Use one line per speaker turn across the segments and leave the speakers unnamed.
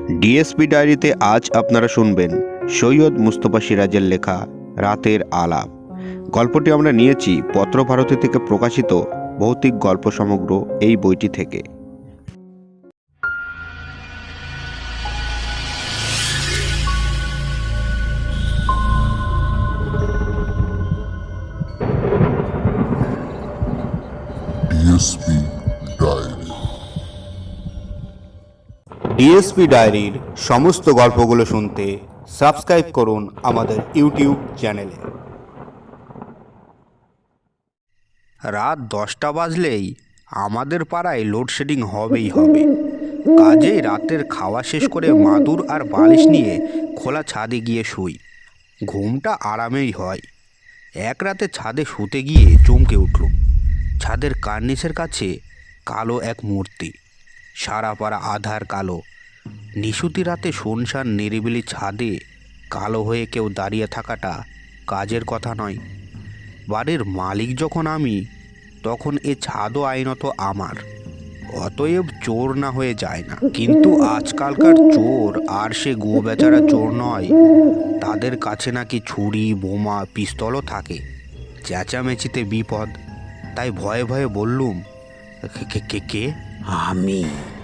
DSP ডায়েরিতে আজ আপনারা শুনবেন সৈয়দ মুস্তফা সিরাজের লেখা রাতের আলাপ। গল্পটি আমরা নিয়েছি পত্রভারতী থেকে প্রকাশিত ভৌতিক গল্প সমগ্র এই বইটি থেকে।
DSP diary.
ডিএসপি ডায়েরির সমস্ত গল্পগুলো শুনতে সাবস্ক্রাইব করুন আমাদের ইউটিউব চ্যানেলে। রাত 10টা বাজলেই আমাদের পাড়ায় লোডশেডিং হবেই হবে। কাজেই রাতের খাওয়া শেষ করে মাদুর আর বালিশ নিয়ে খোলা ছাদে গিয়ে শুই। ঘুমটা আরামেই হয়। এক রাতে ছাদে শুতে গিয়ে চমকে উঠলুম। ছাদের কার্নিসের কাছে কালো এক মূর্তি, সারা পাড়া আধার কালো। নিশুতি রাতে শুনশান নিরিবিলি ছাদে কালো হয়ে কেউ দাঁড়িয়ে থাকাটা কাজের কথা নয়। বাড়ির মালিক যখন আমি, তখন এ ছাদও আইনত আমার। অতএব চোর না হয়ে যায় না। কিন্তু আজকালকার চোর আর সে গো বেচারা চোর নয়। তাদের কাছে নাকি ছুরি, বোমা, পিস্তলও থাকে। চেঁচামেচিতে বিপদ। তাই ভয়ে ভয়ে বললুম, কে?
আমি।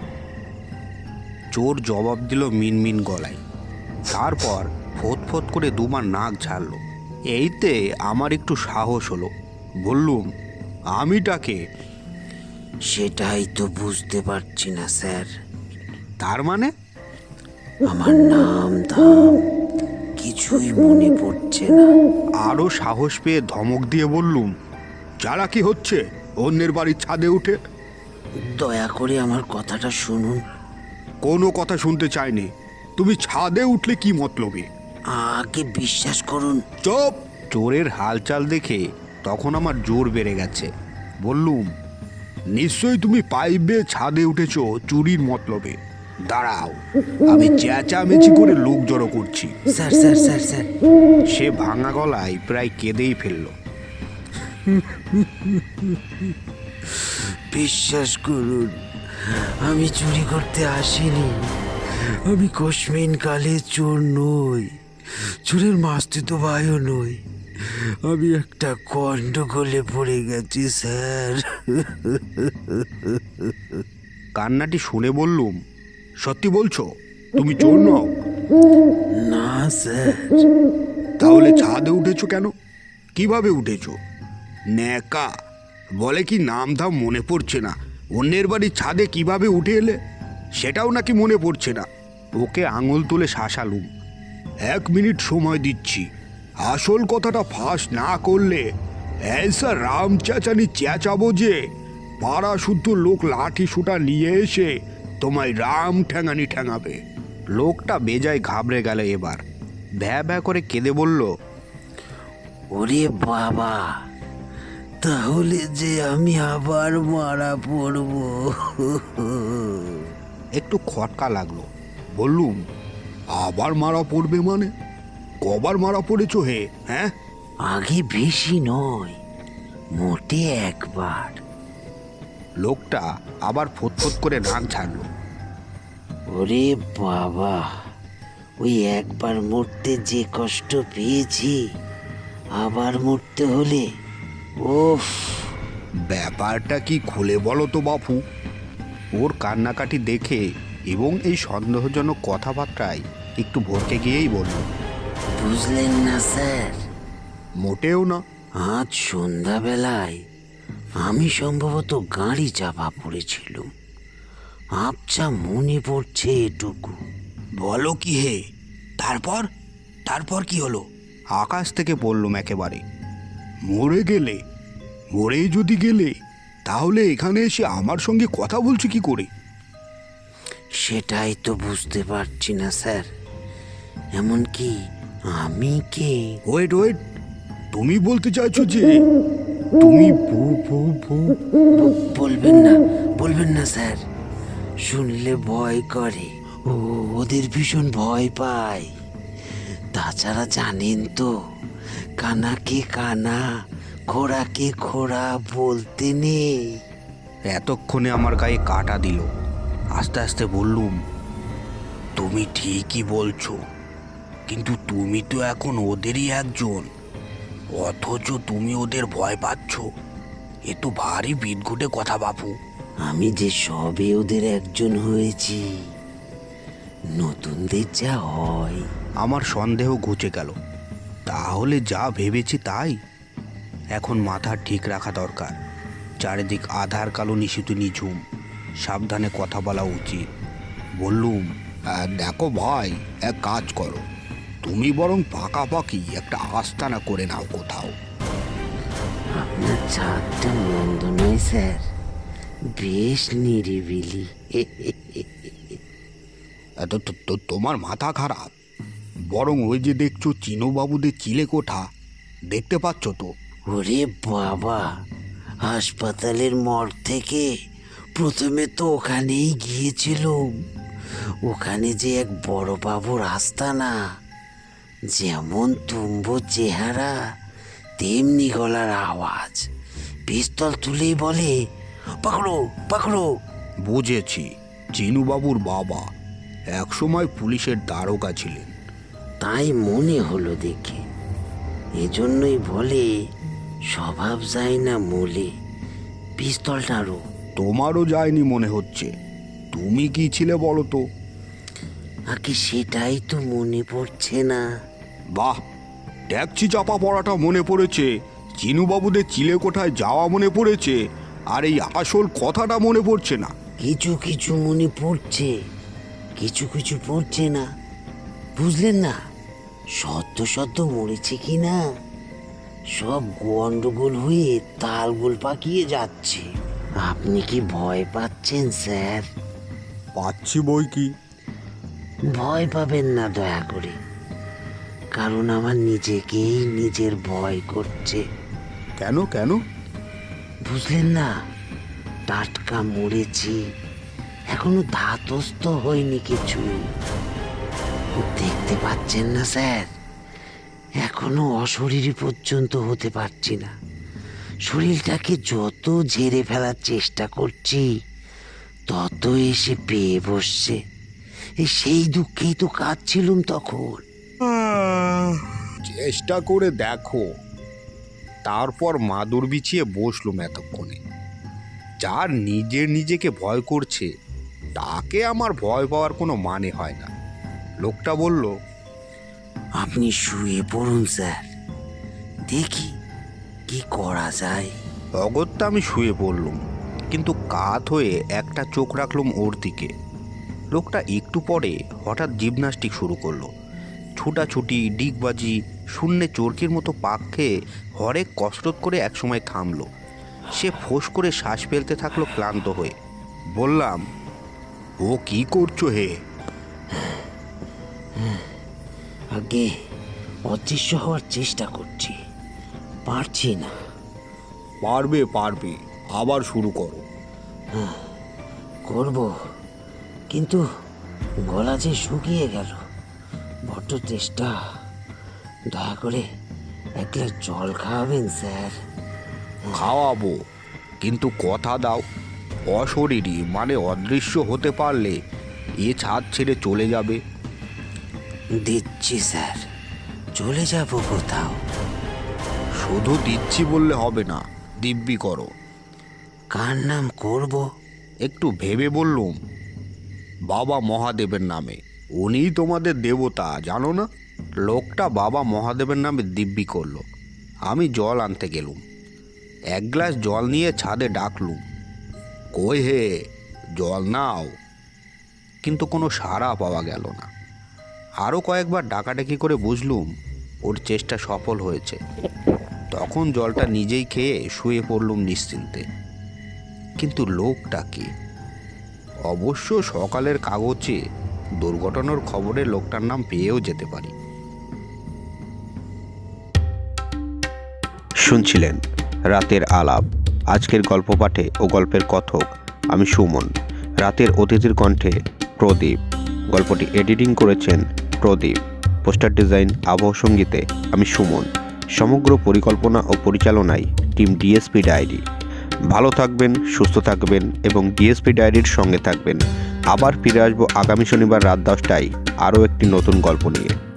চোর জবাব দিল মিনমিন গলায়। তারপর ফোঁত করে দুবার নাক ঝাড়ল। এইতে আমার একটু সাহস হলো। বললুম, আমিটাকে?
সেটাই তো বুঝতে পারছি না স্যার।
তার মানে?
আমার নাম ধাম কিছুই মনে পড়ছে না।
আরও সাহস পেয়ে ধমক দিয়ে বললুম, যারা কি হচ্ছে অন্যের বাড়ির ছাদে উঠে?
দয়া করে আমার কথাটা শুনুন।
কোনো কথা শুনতে চাইনি। তুমি ছাদে উঠলে কি মতলবে?
আগে বিশ্বাস করুন।
চুপ! চোরের হালচাল দেখে তখন আমার জোর বেড়ে গেছে। বললুম, নিশ্চয়ই তুমি পাইপ বেয়ে ছাদে উঠেছ চুরির মতলবে। দাঁড়াও, আমি চেঁচামেচি করে লোক জড়ো করছি।
স্যার স্যার স্যার স্যার
সে ভাঙা গলায় প্রায় কেঁদেই ফেলল।
বিশ্বাস করুন, আমি চুরি করতে আসিনি। আমি কসমিন কালে চোর নই, চোরের মাস্তুত ভাইও নই। আমি একটা গন্ডগোলে পড়ে গেছি স্যার।
কান্নাটি শুনে বললুম, সত্যি বলছো তুমি চোর নও?
না স্যার।
তাহলে ছাদে উঠেছো কেন? কিভাবে উঠেছো? ন্যাকা বলে কি নাম ধাম মনে পড়ছে না, অন্যের বাড়ির ছাদে কিভাবে উঠে এলে সেটাও নাকি মনে পড়ছে না। ওকে আঙুল তুলে শাসালুম। 1 মিনিট সময় দিচ্ছি। আসল কথাটা ফাঁস না করলে ऐसा রাম চেঁচানি চেঁচাবো যে পাড়া শুদ্ধ লোক লাঠি সুটা নিয়ে এসে তোমায় রাম ঠ্যাঙানি ঠ্যাঙাবে। লোকটা বেজায় ঘাবড়ে গেল। এবার ভ্যা করে কেঁদে বলল,
ওরে বাবা, তাহলে যে আমি আবার মারা পড়ব।
একটু খটকা লাগলো। বললুম, আবার মারা পড়বে মানে? কবার মারা পড়েছো হে? হ্যাঁ?
আগে বেশি নয়, মোটে একবার।
লোকটা আবার ফোঁত করে নাক ঝাড়ল।
ওরে বাবা, ওই একবার মরতে যে কষ্ট পেয়েছি, আবার মরতে হলে ওফ।
ব্যাপারটা কি খুলে বলো তো বাপু। ওর কান্নাকাটি দেখে এবং এই সন্দেহজনক কথাবার্তায় একটু ভরকে গিয়েই বলল,
বুঝলেন না স্যার?
মোটেও না।
আজ সন্ধ্যাবেলায় আমি সম্ভবত গাড়ি চাপা পড়েছিলাম। আবছা মনে পড়ছে এটুকু।
বলো কি হে? তারপর কি হলো? আকাশ থেকে বললুম একেবারে। মরে গেলে? মরেই যদি গেলে তাহলে এখানে এসে আমার সঙ্গে কথা বলছো কি করে?
সেটাই তো বুঝতে পারছি না স্যার। এমনকি আমি কে?
ওয়েট, তুমি বলতে চাইছো যে তুমি
বলবেন না স্যার। শুনলে ভয় করে। ওদের ভীষণ ভয় পায়। তাছাড়া জানেন তো, কানাকে কানা, খোড়াকে খোড়া বলতে নেই।
এতক্ষণে আমার গায়ে কাটা দিল। আস্তে আস্তে বললুম, তুমি তুমি ঠিকই বলছো, কিন্তু তুমি তো এখন ওদেরই একজন, অথচ তুমি ওদের ভয় পাচ্ছ। এ তো ভারী বিদঘুটে কথা বাপু।
আমি যে সবে ওদের একজন হয়েছি, নতুনদের যা হয়।
আমার সন্দেহ ঘুচে গেল। তাহলে যা ভেবেছি তাই। এখন মাথা ঠিক রাখা দরকার। চারিদিক আধার কালো নিশিত নিঝুম, সাবধানে কথা বলা উচিত। বললুম, দেখো ভাই, এক কাজ করো, তুমি বরং পাকাপাকি একটা আস্তানা করে নাও কোথাও।
আপনার ছাদটা মন্দ নয় স্যার, বেশ নিরিবিলি।
তোমার মাথা খারাপ? বরং ওই যে দেখছো চিনুবাবুদের চিলে কোঠা, দেখতে পাচ্ছ তো?
ওরে বাবা, হাসপাতালের মর্গ থেকে প্রথমে তো ওখানেই গিয়েছিলাম। ওখানে যে এক বড় বাবুর আস্তানা, যেমন তুম্বো চেহারা তেমনি গলার আওয়াজ, পিস্তল তুলেই বলে, পাকড়ো পাকড়ো।
বুঝেছি, চিনুবাবুর বাবা একসময় পুলিশের দারোগা ছিলেন।
তাই মনে হলো দেখে। এজন্যই বলে স্বভাব যায় না মূলে। পিস্তলটারও
তোমারও যায়নি মনে হচ্ছে। তুমি কি ছিলে বলো তো?
আগে সেটাই তো মনে পড়ছে না।
বাহ, ট্যাক্সি চাপা পড়াটা মনে পড়েছে, চিনুবাবুদের চিলে কোঠায় যাওয়া মনে পড়েছে, আর এই আসল কথাটা মনে পড়ছে না।
কিছু কিছু মনে পড়ছে, কিছু কিছু পড়ছে না। বুঝলেন না, সদ্য সদ্য মরেছে কি না, সব গন্ডগোল হয়ে তালগোল পাকিয়ে যাচ্ছে। আপনি কি ভয় পাচ্ছেন স্যার?
পাচ্ছি বই কি।
ভয় পাবেন না দয়া করে, কারণ আমার নিজেকেই নিজের ভয় করছে।
কেন কেন?
বুঝলেন না, টাটকা মরেছি, এখনো ধাতস্থ হয়নি কিছু। দেখতে পাচ্ছেন না স্যার, এখনো অশরীরী পর্যন্ত হতে পারছি না। শরীরটাকে যত ঝেড়ে ফেলার চেষ্টা করছি, তত এসে পেয়ে বসছে। সেই দুঃখেই তো কাঁদছিলুম তখন।
চেষ্টা করে দেখো। তারপর মাদুর বিছিয়ে বসলুম এতক্ষণে। যার নিজের নিজেকে ভয় করছে, তাকে আমার ভয় পাওয়ার কোনো মানে হয় না। লোকটা বলল,
আপনি শুয়ে পড়ুন স্যার, দেখি কি করা যায়।
অগত্যা আমি শুয়ে পড়লুম, কিন্তু কাত হয়ে একটা চোখ রাখলুম ওর দিকে। লোকটা একটু পরে হঠাৎ জিমন্যাস্টিক শুরু করলো। ছুটাছুটি, ডিগবাজি, শূন্যে চরকির মতো পাক খেয়ে হরেক কসরত করে একসময় থামলো। সে ফোঁস করে শ্বাস ফেলতে থাকলো ক্লান্ত হয়ে। বললাম, ও কি করছো হে?
আগে অদৃশ্য হওয়ার চেষ্টা করছি, পারছি না।
পারবে পারবে, আবার শুরু করো।
করব, কিন্তু গলা যে শুকিয়ে গেল, বড্ড চেষ্টা। দয়া করে এক গ্লাস জল খাওয়াবেন স্যার?
খাওয়াবো, কিন্তু কথা দাও, অশরীরী মানে অদৃশ্য হতে পারলে এ ছাদ ছেড়ে চলে যাবে।
দিচ্ছি স্যার, চলে যাব কোথাও?
শুধু দিচ্ছি বললে হবে না, দিব্যি করো।
কার নাম করব?
একটু ভেবে বললুম, বাবা মহাদেবের নামে। উনিই তোমাদের দেবতা, জানো না? লোকটা বাবা মহাদেবের নামে দিব্যি করলো। আমি জল আনতে গেলুম। এক গ্লাস জল নিয়ে ছাদে ডাকলুম, কই হে, জল নাও। কিন্তু কোনো সাড়া পাওয়া গেল না। আরও কয়েকবার ডাকাডাকি করে বুঝলুম ওর চেষ্টা সফল হয়েছে। তখন জলটা নিজেই খেয়ে শুয়ে পড়লুম নিশ্চিন্তে। কিন্তু লোকটা কি? অবশ্য সকালের কাগজে দুর্ঘটনার খবরে লোকটার নাম পেয়েও যেতে পারি।
শুনছিলেন রাতের আলাপ। আজকের গল্প পাঠে ও গল্পের কথক আমি সুমন। রাতের অতিথির কণ্ঠে প্রদীপ। গল্পটি এডিটিং করেছেন প্রদীপ। পোস্টার ডিজাইন, আবহ সঙ্গীতে আমি সুমন। সমগ্র পরিকল্পনা ও পরিচালনায় টিম ডিএসপি ডায়েরি। ভালো থাকবেন, সুস্থ থাকবেন এবং ডিএসপি ডায়েরির সঙ্গে থাকবেন। আবার ফিরে আসবো আগামী শনিবার রাত 10টায় আরও একটি নতুন গল্প নিয়ে।